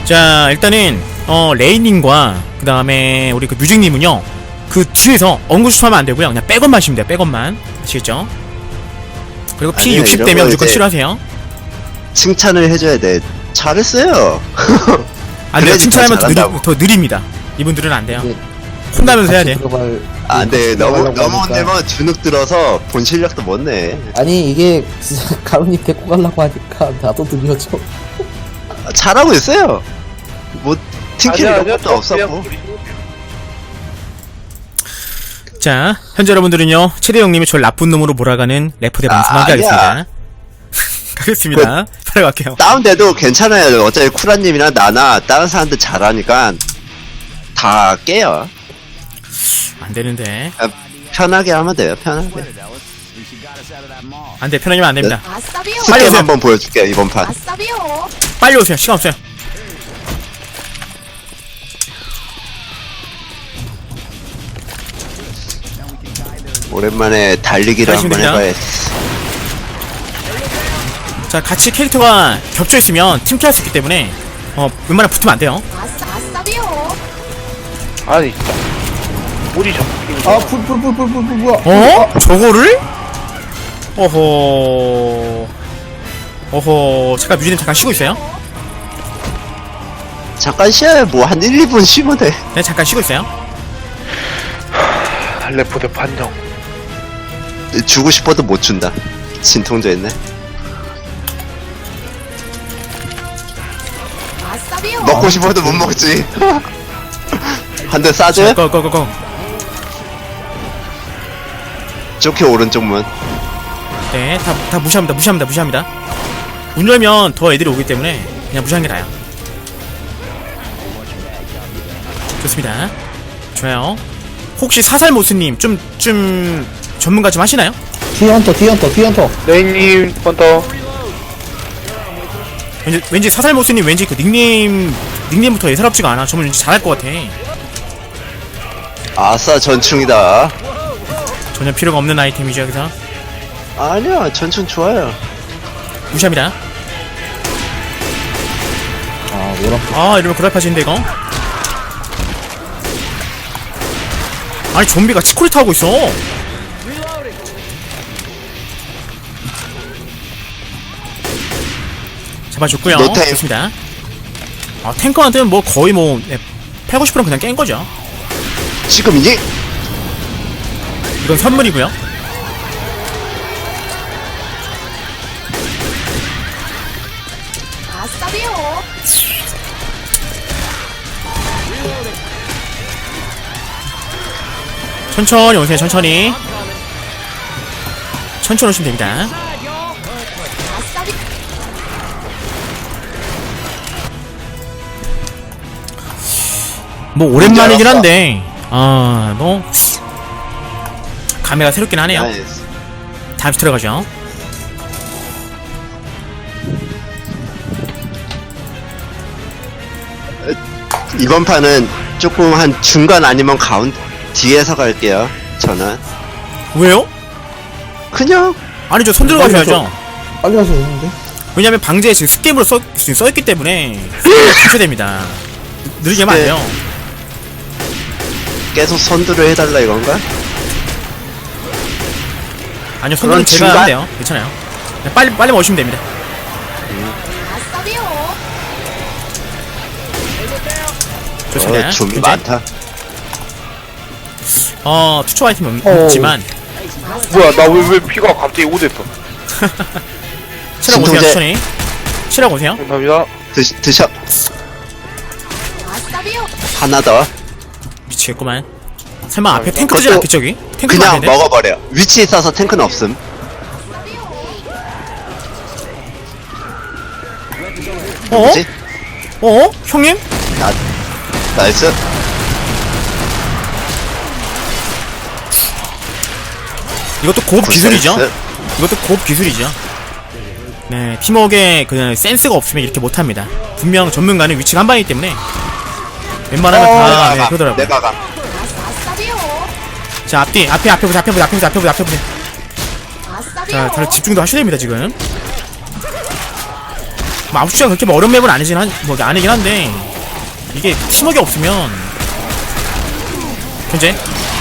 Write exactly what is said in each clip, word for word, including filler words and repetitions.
자, 일단은 어 레이님과 그 다음에 우리 그 뮤직님은요 그 뒤에서 언구수하면 안 되고요. 그냥 백업만 하시면 돼요. 백업만. 아시겠죠? 그리고 피 아니요, 육십 이런 되면 거 무조건 이제 치료하세요. 칭찬을 해줘야 돼. 잘했어요. 안 돼요. 그래야지 칭찬하면 더, 잘한다고. 느리, 더 느립니다. 이분들은 안 돼요. 이게 혼나면서 해야 같이 돼. 들어갈- 안 돼. 같이 너무 들어가려고 너무 하니까. 혼내면 주눅 들어서 본 실력도 못 내. 아니 이게 진짜 가루님 데리고 가려고 하니까 나도 들려줘. 아, 잘하고 있어요. 뭐 팀킬 아니야, 이런 아니야, 것도 저 없었고. 그냥 우리 자, 현재 여러분들은요 최대 형님이 저를 나쁜 놈으로 몰아가는 래퍼대 아, 방송하게 아니야. 하겠습니다. 가겠습니다. 바로 갈게요. 다운돼도 괜찮아요. 어차피 쿠라님이나 나나 다른 사람들 잘하니까 다 깨요. 안 되는데. 아, 편하게 하면 돼요. 편하게. 안 돼. 편하면 안 됩니다. 아싸비오. 빨리 스텝 오세요. 한번 보여줄게요. 이번 판. 아싸비오. 빨리 오세요. 시간 없어요. 오랜만에 달리기를 한번 잘하시면 해봐야. 자, 같이 캐릭터가 겹쳐 있으면 팀킬할 수 있기 때문에 어 웬만하면 붙으면 안 돼요. 아싸 아싸비오. 아니 진짜 우리 저 아풀풀풀풀풀풀 뭐야? 어? 저거를? 어허. 어허. 잠깐 뮤지님 잠깐 쉬고 있어요. 잠깐 쉬어요. 뭐 한 일, 이 분 쉬면 돼. 네, 잠깐 쉬고 있어요. 레포드 판정. 주고 싶어도 못 준다. 진통제 있네. 아싸비오. 먹고 싶어도 못 먹지. 한 대 자, 쏴줘요? 고, 고, 고, 고. 좋게 오른쪽 문. 네, 다, 다 무시합니다. 무시합니다. 무시합니다. 문 열면 더 애들이 오기 때문에 그냥 무시하는 게 나아요. 좋습니다. 좋아요. 혹시 사살모스님 좀, 좀 전문가 좀 하시나요? 뒤에 헌터 뒤에 헌터 뒤에 헌터. 레인님 한 번 더. 왠지, 왠지 사살모스님 왠지 그 닉네임, 닉네임부터 예사롭지가 않아. 저는 왠지 잘할 것 같아. 아싸 전충이다. 전혀 필요가 없는 아이템이죠, 여기서. 아니야 전충 좋아요. 무시합니다. 아 노란. 아, 이러면 그라파신데, 이거? 아니, 좀비가 치코리 타고 있어. 잡아줬고요. 노타임. 좋습니다. 아, 탱커한테는 뭐 거의 뭐, 네, 팔십, 구십 퍼센트는 그냥 깬 거죠. 지금이니? 이건 선물이고요. 아싸비오. 천천히 오세요, 천천히. 천천히 오시면 됩니다. 아싸비. 뭐, 오랜만이긴 알았어. 한데, 아, 뭐, 감회가 새롭긴 하네요. 나이스. 다음 주 들어가죠. 이번 판은 조금 한 중간 아니면 가운 뒤에서 갈게요. 저는 왜요? 그냥 아니죠, 손 들어가셔야죠. 빨리 가서 오는데. 왜냐면 방제에 지금 스텝으로 써, 지금 써있기 때문에 하셔야 됩니다. 느리게 하면 안 돼요. 계속 선두를 해달라 이건가? 아니요, 손들은 그건 제가 중간- 하면 돼요. 괜찮아요. 그냥 빨리 빨리 오시면 됩니다. 아싸비오. 좋습니다. 어, 좀비 이제, 많다. 어, 투초 아이템 없, 어우. 없지만 뭐야 나 왜 왜 피가 갑자기 오 됐어. 치라고 오세요. 진통제. 천천히 치라고 오세요. 감사합니다. 드, 드셔 아싸비오. 하나 더. 미치겠구만. 설마 앞에 탱크 뜨지 그것도 않겠죠, 여기? 탱크 그냥 맞는데? 먹어버려. 위치 있어서 탱크는 없음. 어? 뭐지? 어? 형님? 나 나이스. 이것도 고급 기술이죠. 굿센스. 이것도 고급 기술이죠. 네, 팀워크에 그 센스가 없으면 이렇게 못합니다. 분명 전문가는 위치가 한 방이기 때문에 웬만하면 다 내가 네, 가. 그러더라고요. 내가 가. 아싸비오. 자, 앞뒤, 앞에, 앞에 보세요, 앞에 보세요, 앞에 보세요, 앞에 보세요, 앞에 보세요. 아싸비오. 자, 다들 집중도 하셔야 됩니다, 지금. 뭐 아홉 시가 그렇게 뭐 어려운 맵은 아니긴 한, 뭐 아니긴 한데 이게 팀워크 없으면 현재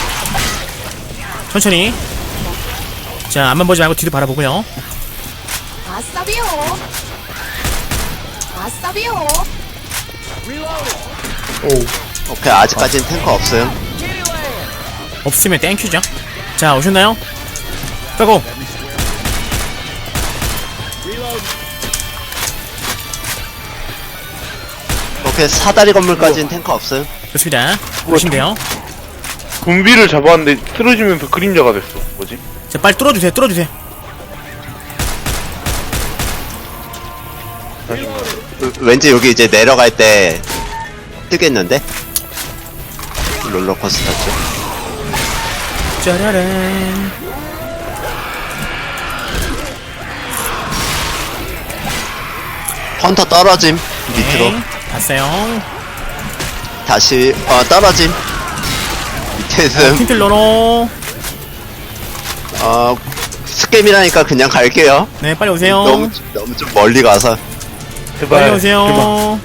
천천히 자 앞만 보지 말고 뒤도 바라보고요. 아싸비오. 아싸비오. 오. 오케이, 아직까지는 탱커 없어요. 없으면 땡큐죠. 자 오셨나요? 가고 오케이, 사다리 건물까지는 탱커 없어요. 좋습니다. 보시면 돼요. 군비를 잡았는데 쓰러지면서 그림자가 됐어. 뭐지? 자 빨리 뚫어주세요. 뚫어주세요. 그, 왠지 여기 이제 내려갈 때 뜨겠는데? 롤러코스터죠. 짜라란. 헌터 떨어짐. 밑으로. 네, 봤어요. 다시, 어, 떨어짐. 밑에슴. 퀸틀러로. 어, 스캠이라니까 그냥 갈게요. 네 빨리 오세요. 너무, 너무 좀 멀리 가서. 제발. 빨리 오세요.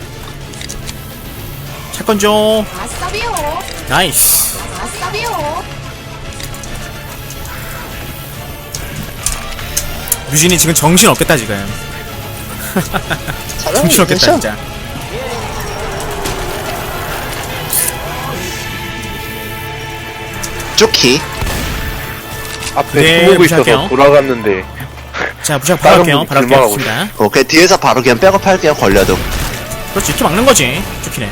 차건 줘. 아싸비오. 나이스. 아싸비오. 유진이 지금 정신 없겠다 지금. 정신 없겠다 진짜. 쪼키. 앞에 네, 숨고 무시할게요. 있어서 돌아갔는데 자 무시하고 바로 다른 할게요. 분이 바로 할게요. 길막하고 좋습니다. 오케이, 뒤에서 바로 그냥 백업할게요, 걸려도. 그렇지 이렇게 막는 거지. 좋기네.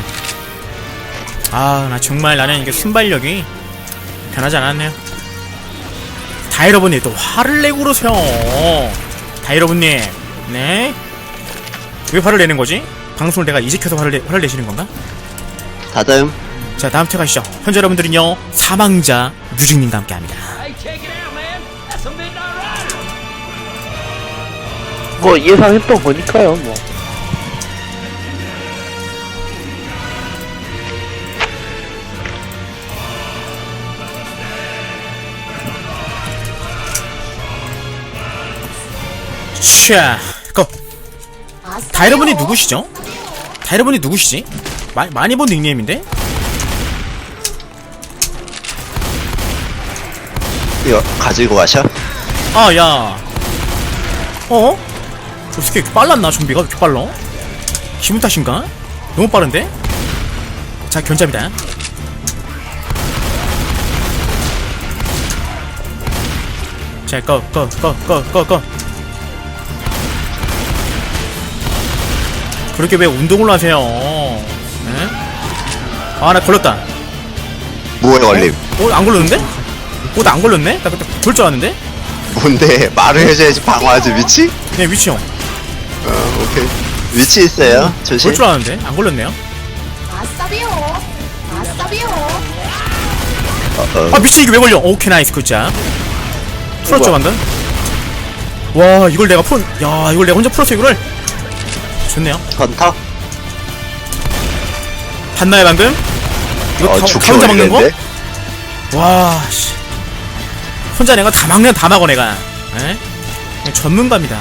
아 나 정말 나는 이게 순발력이 변하지 않았네요. 다이러분님 또 화를 내고 그러세요. 다이러분님 네? 왜 화를 내는 거지? 방송을 내가 이제 켜서 화를, 내, 화를 내시는 건가? 다음. 자 다음 태 가시죠. 현재 여러분들은요 사망자 뮤직님과 함께합니다. 뭐 예상했던 거니까요. 뭐. 샤 고! 아싸비오. 다이러분이 누구시죠? 다이러분이 누구시지? 마, 많이 본 닉네임인데? 이거 가지고 가셔. 아, 야. 어? 어떻게 이렇게 빨랐나, 좀비가? 왜 이렇게 빨라? 기분 탓인가? 너무 빠른데? 자, 견잡이다. 자, 꺼, 꺼, 꺼, 꺼, 꺼, 꺼. 그렇게 왜 운동을 하세요? 네? 아, 나 걸렸다. 뭐에 걸림? 어, 안 걸렸는데? 어, 나 안 걸렸네? 나 그때 돌 줄 알았는데? 뭔데? 말을 해줘야지 방어하지, 위치? 네, 위치 형. 어, 오케이. 위치 있어요. 조심. 돌 줄 알았는데? 안 걸렸네요? 아싸비오. 아싸비오. 어, 어. 아, 미친, 이게 왜 걸려? 오케이, 나이스, 굿자. 풀었죠, 방금? 와, 이걸 내가 풀, 야, 이걸 내가 혼자 풀었어, 이거를? 좋네요. 헌터? 봤나요, 방금? 이거 어, 다, 죽게 다 혼자 막는 거? 걸리는데? 와, 씨. 혼자 내가 다 막는, 다 막어, 내가. 에? 그냥 전문가입니다.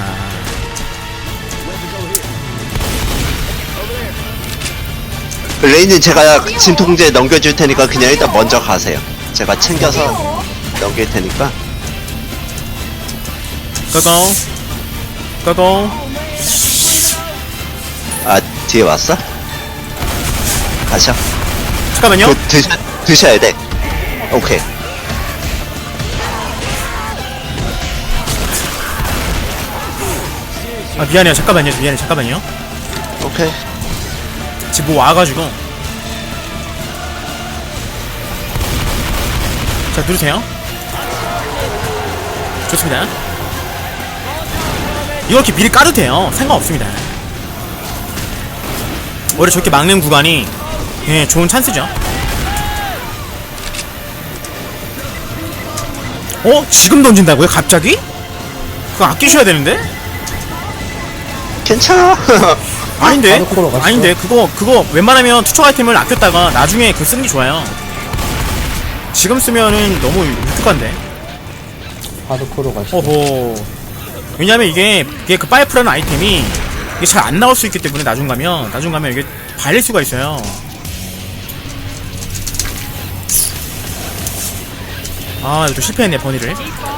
레이님 제가 진통제 넘겨줄 테니까 그냥 일단 먼저 가세요. 제가 챙겨서 아싸비오. 넘길 테니까. 꺼고. 꺼고. 아, 뒤에 왔어? 가셔. 잠깐만요. 그, 드셔, 드셔야 돼. 오케이. 아, 미안해요. 잠깐만요. 미안해. 잠깐만요. 오케이. 지금 뭐 와가지고. 자, 누르세요. 좋습니다. 이렇게 미리 까도 돼요. 상관없습니다. 오히려 저렇게 막는 구간이 예, 좋은 찬스죠. 어? 지금 던진다고요? 갑자기? 그거 아끼셔야 되는데? 괜찮아. 아닌데? 바로 갔어. 아닌데? 그거 그거 웬만하면 투척 아이템을 아꼈다가 나중에 그 쓰는 게 좋아요. 지금 쓰면은 너무 유특한데. 하드코로 가시죠. 어호. 왜냐면 이게 이게 그 파이프라는 아이템이 이게 잘 안 나올 수 있기 때문에 나중 가면 나중 가면 이게 발릴 수가 있어요. 아 이거 좀 실패했네 버니를.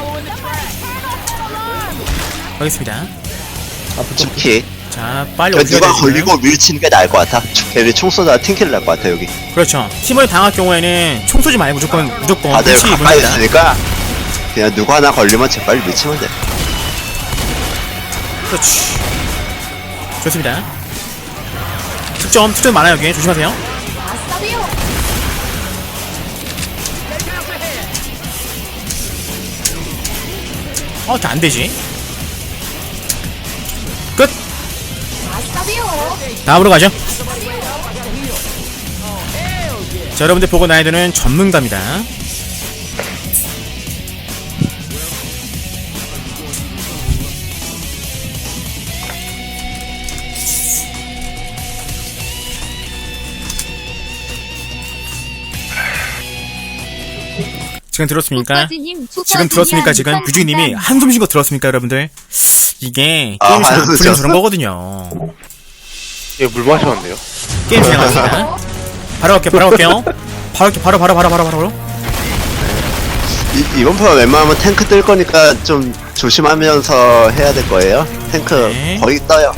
가겠습니다. 집키. 자 빨리 그러니까 오셔야 누가 돼요. 걸리고 밀치는 게 나을 것 같아. 걔네 총 쏘다 팅킬 날 것 같아 여기. 그렇죠. 팀원이 당할 경우에는 총 쏘지 말고 무조건 무조건 다들 위치 가까이 입습니다. 있으니까 그냥 누구 하나 걸리면 제발 밀치면 돼. 그렇지. 좋습니다. 특점 특점 많아요 여기 조심하세요. 아싸비오. 어 이렇게 안 되지. 끝. 아싸비오. 다음으로 가죠. 자 여러분들 보고 나야 되는 전문가입니다. 지금 들었습니까? 지금 들었습니까? 지금 유주님이 한숨 쉬고 들었습니까, 여러분들? 이게 아, 게임이 잘 안 한숨 풀리는 쉬었어? 그런 거거든요. 얘물 마셨는데요? 게임 진행합니다. 바로 갈게요, 바로 갈게요. 바로 갈게요, 바로, 바로, 바로, 바로, 바로. 이, 이번 판 웬만하면 탱크 뜰 거니까 좀 조심하면서 해야 될 거예요. 탱크 네. 거의 떠요.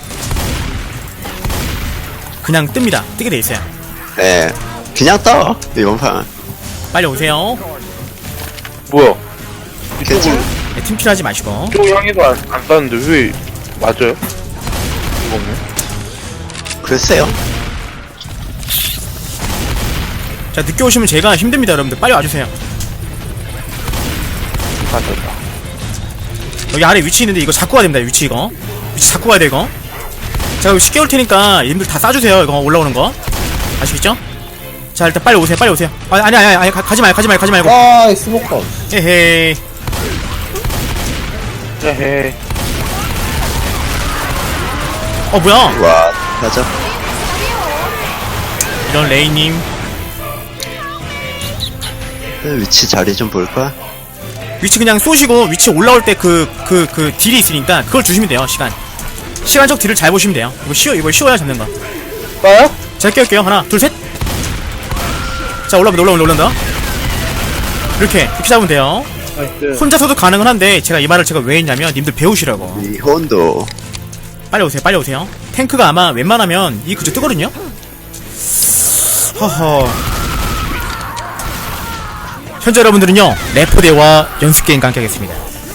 그냥 뜹니다. 뜨게 돼 있어요. 예. 그냥 떠. 이번 판. 빨리 오세요. 뭐야? 괜찮아. 네, 팀킬하지 마시고. 이쪽 향해도 안, 안 쌌는데 왜 맞아요? 이거 없네. 글쎄요. 자, 늦게 오시면 제가 힘듭니다, 여러분들. 빨리 와주세요. 맞았다. 여기 아래 위치 있는데 이거 잡고 가야 됩니다, 위치 이거. 위치 잡고 가야 돼, 이거. 제가 이거 쉽게 올 테니까 님들 다 싸주세요, 이거 올라오는 거. 아시겠죠? 자, 일단 빨리 오세요, 빨리 오세요. 아, 아니, 아니, 아니, 가, 가지 말고, 가지 말고, 가지 말고. 아, 이 스모커. 에헤이. 에헤이. 어, 뭐야? 와, 가자. 이런 레이님. 그 위치 자리 좀 볼까? 위치 그냥 쏘시고, 위치 올라올 때 그, 그, 그 딜이 있으니까 그걸 주시면 돼요, 시간. 시간적 딜을 잘 보시면 돼요. 이거 쉬워, 이거 쉬워야 잡는 거. 까요? 자, 깰게요. 하나, 둘, 셋. 자, 올라온다, 올라온다, 올라온다. 이렇게, 이렇게 잡으면 돼요. 나이스. 혼자서도 가능은 한데, 제가 이 말을 제가 왜 했냐면, 님들 배우시라고. 이 혼도. 빨리 오세요, 빨리 오세요. 탱크가 아마 웬만하면 이 그저 뜨거든요? 허허. 현재 여러분들은요, 레포대와 연습게임과 함께 하겠습니다.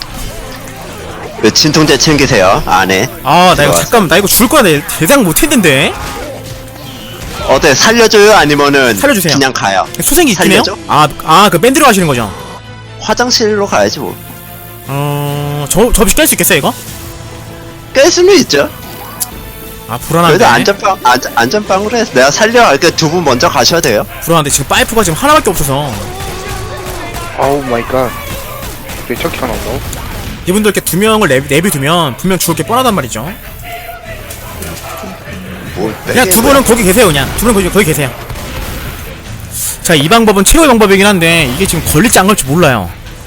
그 진통제 챙기세요. 안에. 아, 나 이거 들어왔어. 잠깐만, 나 이거 죽을 거야. 내 대상 못 했는데? 어때? 살려줘요? 아니면은 살려주세요. 그냥 가요? 소생기 있긴 해요? 살려줘? 아, 아, 그 밴드로 하시는 거죠? 화장실로 가야지 뭐. 어, 저, 저 없이 깰 수 있겠어요, 이거? 깰 수는 있죠. 아, 불안한데. 그래도 안전빵 안전 안전빵으로 해서 내가 살려. 그러니까 두 분 먼저 가셔야 돼요. 불안한데, 지금 파이프가 지금 하나밖에 없어서. 아우 마이 갓. 왜 저기가 나온다고? 이분들 이렇게 두 명을 내비, 내비두면 분명 죽을 게 뻔하단 말이죠. 뭐 그냥 두 분은 거기 계세요, 그냥. 두 분은 거기, 거기 계세요. 자, 이 방법은 최고의 방법이긴 한데, 이게 지금 걸릴지 안 걸릴지 몰라요.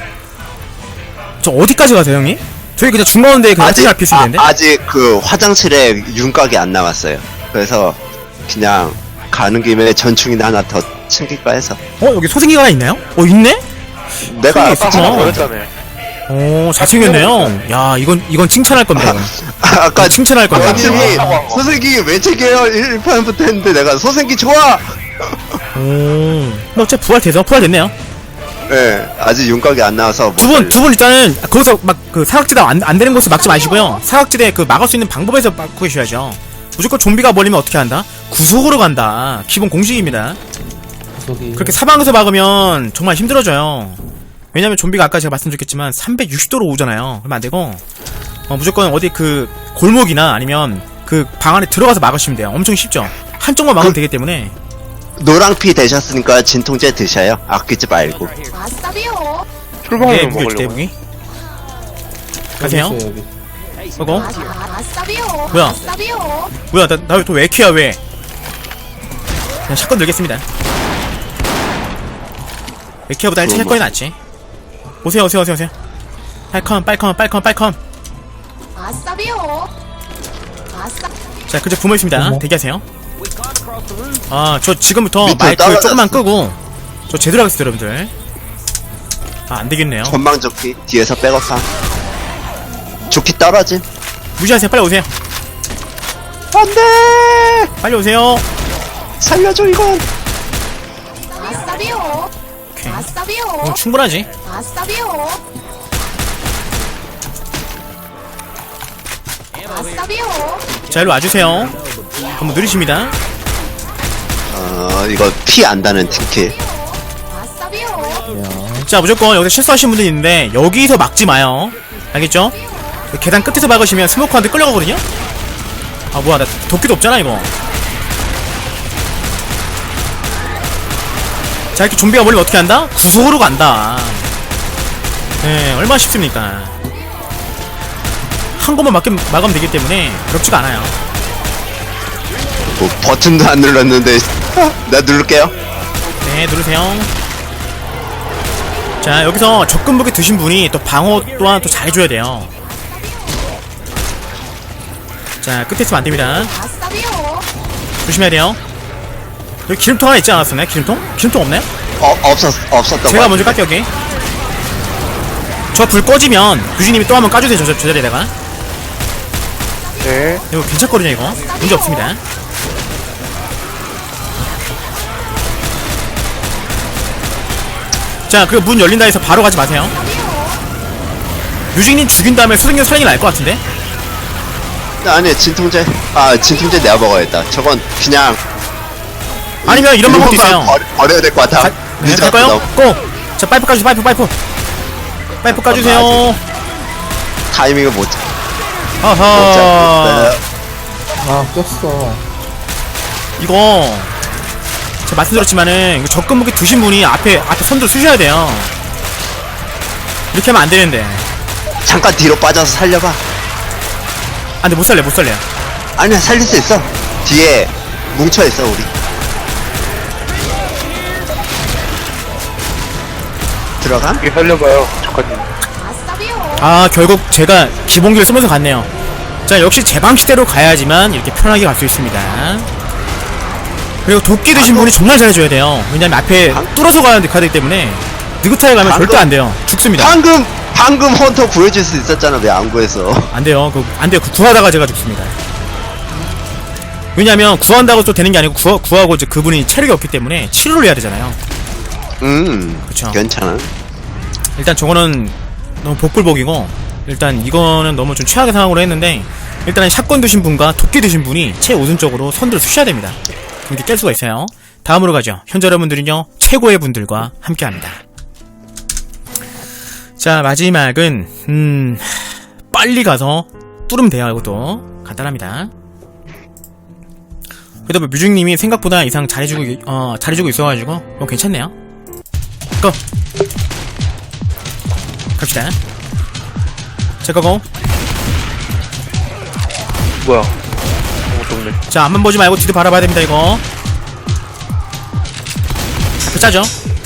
저 어디까지 가세요, 형님? 저희 그냥 중간인데 그냥 아직 아직 있으면 되는데? 아, 아직 그 화장실에 윤곽이 안 나왔어요. 그래서 그냥 가는 김에 전충이나 하나 더 챙길까 해서. 어, 여기 소생기가 하나 있나요? 어, 있네? 내가 있어. 아까 어. 하나 버렸잖아요. 오, 잘생겼네요. 야, 이건, 이건 칭찬할 겁니다, 이건. 아까 칭찬할 겁니다. 원님이 소생기 왜 챙겨요? 일 판부터 했는데 내가 소생기 좋아. 오. 근데 어차피 부활돼서, 부활됐네요. 예, 아직 윤곽이 안 나와서 못 두 분, 살려. 두 분 일단은, 거기서 막, 그, 사각지대 안, 안 되는 곳을 막지 마시고요. 사각지대 그, 막을 수 있는 방법에서 막고 계셔야죠. 무조건 좀비가 몰리면 어떻게 한다? 구속으로 간다. 기본 공식입니다. 저기. 그렇게 사방에서 막으면 정말 힘들어져요. 왜냐면 좀비가 아까 제가 말씀드렸겠지만 삼백육십 도로 오잖아요. 그러면 안 되고, 어, 무조건 어디 그, 골목이나 아니면 그 방 안에 들어가서 막으시면 돼요. 엄청 쉽죠? 한쪽만 막으면 되기 때문에. 노랑피 되셨으니까 진통제 드셔요. 아끼지 말고. 아싸비오. 출발하면 네, 무기 먹으려고. 대붕이. 가세요. 여기 있어요, 여기. 이거. 아, 아싸비오. 뭐야? 아싸비오. 뭐야, 나, 나 또 왜 키야, 왜? 그냥 샷건 들겠습니다. 에키아보다 일찍 할 거이 낫지. 오세요, 오세요, 오세요, 오세요. 빨컴, 빨컴, 빨컴, 빨컴. 아싸비오. 아싸. 자, 그저 부모 있습니다. 부모. 대기하세요. 아, 저 지금부터 밑으로 마이크 떨어졌어. 조금만 끄고 저 제대로 하겠습니다, 여러분들. 아, 안 되겠네요. 전망 조끼 뒤에서 백업함. 조끼 떨어짐. 무시하세요. 빨리 오세요. 안돼. 빨리 오세요. 살려줘 이건. 아싸비오. 오케이. 아싸비오. 어, 충분하지. 아싸비오. 아싸비오. 자, 일로 와주세요. 한번 누리십니다. 어 이거 피 안다는 팀킬. 아싸비오. 야, 자, 무조건 여기서 실수하신 분들이 있는데 여기서 막지 마요. 알겠죠? 계단 끝에서 막으시면 스모커한테 끌려가거든요? 아, 뭐야, 나 도끼도 없잖아, 이거. 자, 이렇게 좀비가 몰리면 어떻게 한다? 구속으로 간다. 네, 얼마나 쉽습니까? 한 곳만 막으면, 막으면 되기 때문에 어렵지가 않아요. 뭐 버튼도 안 눌렀는데 나 누를게요. 네, 누르세요. 자, 여기서 접근 무기 드신 분이 또 방어 또한 또 잘해줘야 돼요. 자, 끝에 있으면 안 됩니다. 아싸비오. 조심해야 돼요. 여기 기름통 하나 있지 않았었나요? 기름통? 기름통 없나요? 어 없었 없었던 제가 거. 먼저 깎여, 여기. 저 불 꺼지면 유진님이 또 한번 까주세요, 저, 저 자리에다가. 네. 이거 괜찮거든요, 이거. 문제 없습니다. 자, 그 문 열린다 해서 바로 가지 마세요. 유진님 죽인 다음에 수승경 살인이 날 것 같은데? 아니 진통제. 아 진통제 내가 먹어야겠다. 저건 그냥 아니면 이런 방법도 있어요. 버려, 버려야 될 것 같아. 가, 네, 늦었어, 갈까요? 너. 고! 자, 파이프 까주세요, 파이프, 파이프. 파이프 까주세요. 타이밍을 못 잡. 못 아하. 잡겠어요. 아, 꼈어. 이거, 제가 말씀드렸지만은, 이거 접근 무기 드신 분이 앞에, 앞에 선두를 쓰셔야 돼요. 이렇게 하면 안 되는데. 잠깐 뒤로 빠져서 살려봐. 아, 근데 못 살래, 못 살래요. 아니야 살릴 수 있어. 뒤에 뭉쳐 있어 우리. 들어가? 이게 살려봐요. 잠깐님. 아싸비오. 아, 결국 제가 기본기를 쓰면서 갔네요. 자, 역시 제 방식대로 가야지만 이렇게 편하게 갈 수 있습니다. 그리고 도끼 드신 분이 정말 잘해줘야 돼요. 왜냐면 앞에 뚫어서 가야 되기 때문에 느긋하게 가면 방금- 절대 안 돼요. 죽습니다. 방금 방금 헌터 구해줄 수 있었잖아. 왜 안 구했어? 안 돼요. 그, 안 돼요. 그 구하다가 제가 죽습니다. 왜냐면 구한다고 또 되는 게 아니고 구하, 구하고 이제 그분이 체력이 없기 때문에 치료를 해야 되잖아요. 음. 그쵸. 괜찮아. 일단 저거는 너무 복불복이고, 일단 이거는 너무 좀 최악의 상황으로 했는데, 일단은 샷건 드신 분과 도끼 드신 분이 최우선적으로 선두를 쓰셔야 됩니다. 이렇게 깰 수가 있어요. 다음으로 가죠. 현재 여러분들은요, 최고의 분들과 함께 합니다. 자, 마지막은, 음, 빨리 가서 뚫으면 돼요. 이것도. 간단합니다. 그래도 뭐 뮤직님이 생각보다 이상 잘해주고, 이- 어, 잘해주고 있어가지고, 뭐 괜찮네요. 고! 갑시다. 자, 고고. 뭐야? 아무것도 없네. 자, 앞만 보지 말고 뒤도 바라봐야 됩니다, 이거. 앞에 짜죠?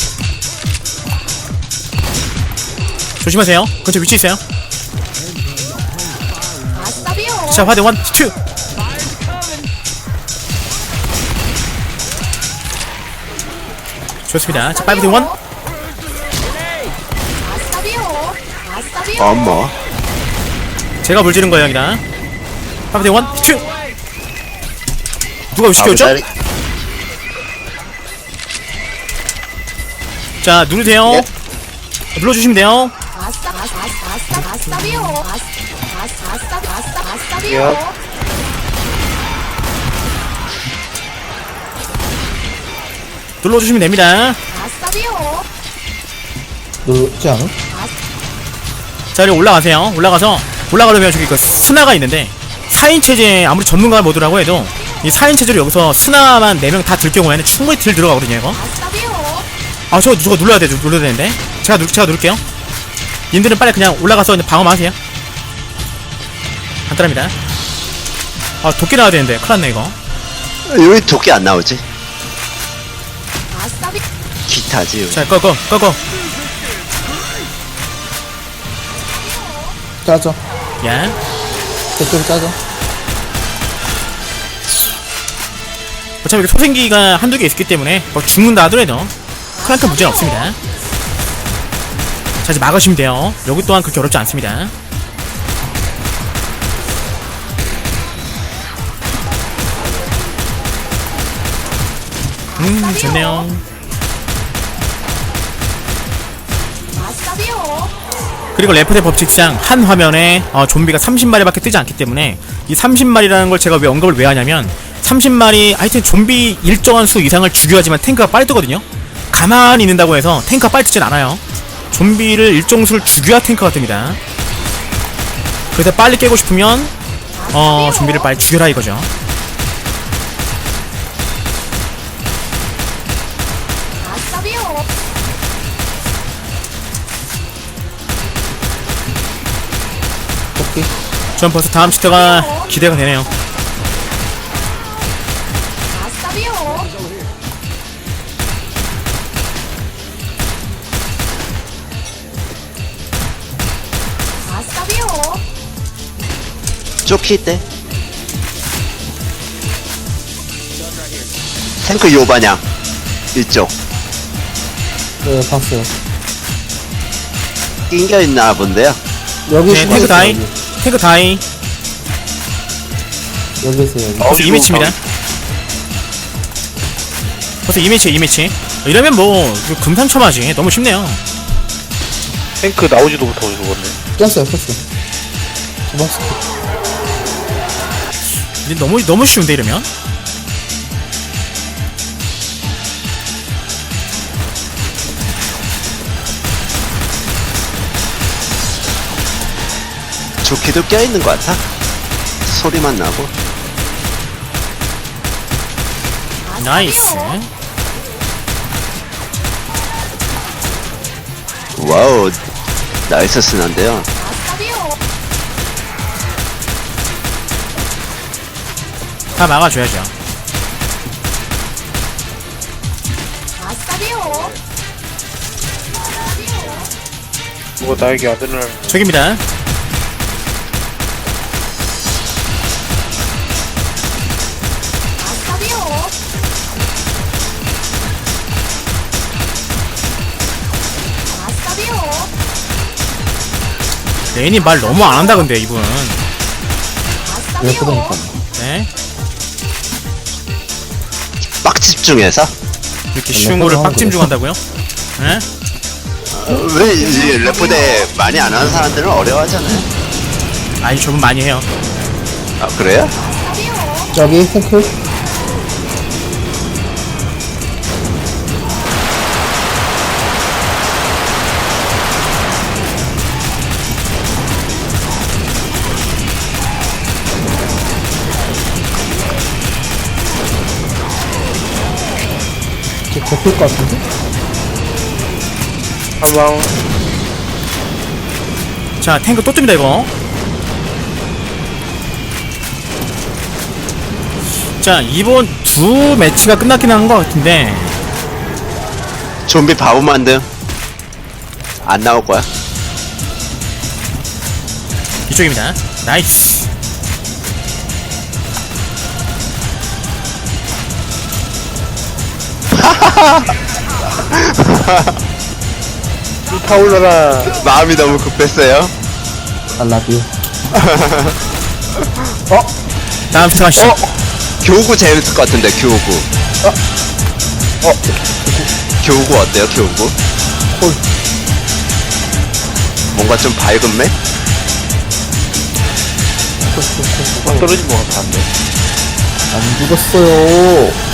조심하세요. 근처 위치 있어요. 아싸비오. 자, 화대 원, 투. 좋습니다. 자, 파이브 대 원. 아싸비오. 아싸비오. 어머. 제가 물 지른 거예요, 여기다. 파이브 대 원, 투. 누가 위시 띄웠죠? 아부자리. 자, 누르세요. 예. 눌러주시면 돼요. 아싸 아싸 아싸 아싸비오. 아싸 아싸 아싸 아싸비오. 야. 눌러주시면 됩니다. 아싸비오. 누르지 않아? 자, 여기 올라가세요. 올라가서, 올라가려면 저기 그 스나가 있는데, 사 인 체제, 아무리 전문가 모드라고 해도, 이 사 인 체제로 여기서 스나만 네 명 다 들 경우에는 충분히 딜 들어가거든요, 이거. 아싸비오. 아, 저거 누가 눌러야 돼, 눌러야 되는데. 제가, 누, 제가 누를게요. 님들은 빨리 그냥 올라가서 이제 방어만 하세요. 간단합니다. 아, 도끼 나와야 되는데. 큰일 났네, 이거. 여기 도끼 안 나오지? 아싸비. 기타지. 여기. 자, 꺼, 꺼, 꺼, 꺼. 짜져. 야. 저쪽에 짜져. 어차피 소생기가 한두 개 있기 때문에 뭐 죽는다 하더라도 크나큰 문제는 없습니다. 자, 이제 막으시면 돼요. 여기 또한 그렇게 어렵지 않습니다. 음, 좋네요. 아싸비오. 그리고 레프트의 법칙상 한 화면에 어, 좀비가 삼십 마리밖에 뜨지 않기 때문에 이 삼십 마리라는 걸 제가 왜 언급을 왜 하냐면 삼십 마리 하여튼 좀비 일정한 수 이상을 죽여야지만 탱크가 빨리 뜨거든요. 가만히 있는다고 해서 탱크가 빨리 뜨진 않아요. 좀비를 일정 수를 죽여야 탱크가 뜹니다. 그래서 빨리 깨고 싶으면 어 좀비를 빨리 죽여라 이거죠. 아싸비오. 오케이. 전 벌써 다음 시대가 기대가 되네요. 아싸비오. 아싸비오. 쫓기 때 탱크 요 반향 이쪽 네, 봤어요. 낑겨 있나 본데요. 여기 네, 숨어 탱크 있어요, 다이. 여기. 탱크 다이. 여기 있어요, 여기. 벌써 아이고, 이 매치입니다. 벌써 이 매치, 이 매치. 이러면 뭐 금상첨화지. 너무 쉽네요. 탱크 나오지도 못하고 죽었네. 깼어요, 깼어요. 고맙습니다. 근데 너무 너무 쉬운데 이러면. 조끼도 껴있는 것 같아. 소리만 나고. 나이스. 와우, 나이스 스난데요. 아싸비오. 다 막아줘야죠. 아싸비오. 누가 나에게 아들을 저기입니다. 아싸비오. 아싸비오. 레인이 말 너무 안 한다 근데 이분. 왜 아싸비오. 그러니까. 네. 빡 집중해서. 이렇게 쉬운 거를 빡찜 중한다고요? 네? 어, 왜, 이 래프대 많이 안 하는 사람들은 어려워하잖아요. 아니 저분 많이 해요. 아, 그래요? 아싸비오. 저기, 탱크. 이제 접힐 것 같은데? 한방 자 탱크 또 뜹니다 이거. 자 이번 두 매치가 끝났긴 한 것 같은데 좀비 바보 만듦. 안 나올 거야. 이쪽입니다. 나이스. 타올라라. 마음이 너무 급했어요. I love you. 다음 시작하시죠. 어? 교구 재밌을 것 같은데, 교구. 어? 교구 어때요, 교구? 콜. 뭔가 좀 밝은 맥? 콜, 콜, 콜, 콜. 떨어진 것 같았는데. 안 죽었어요.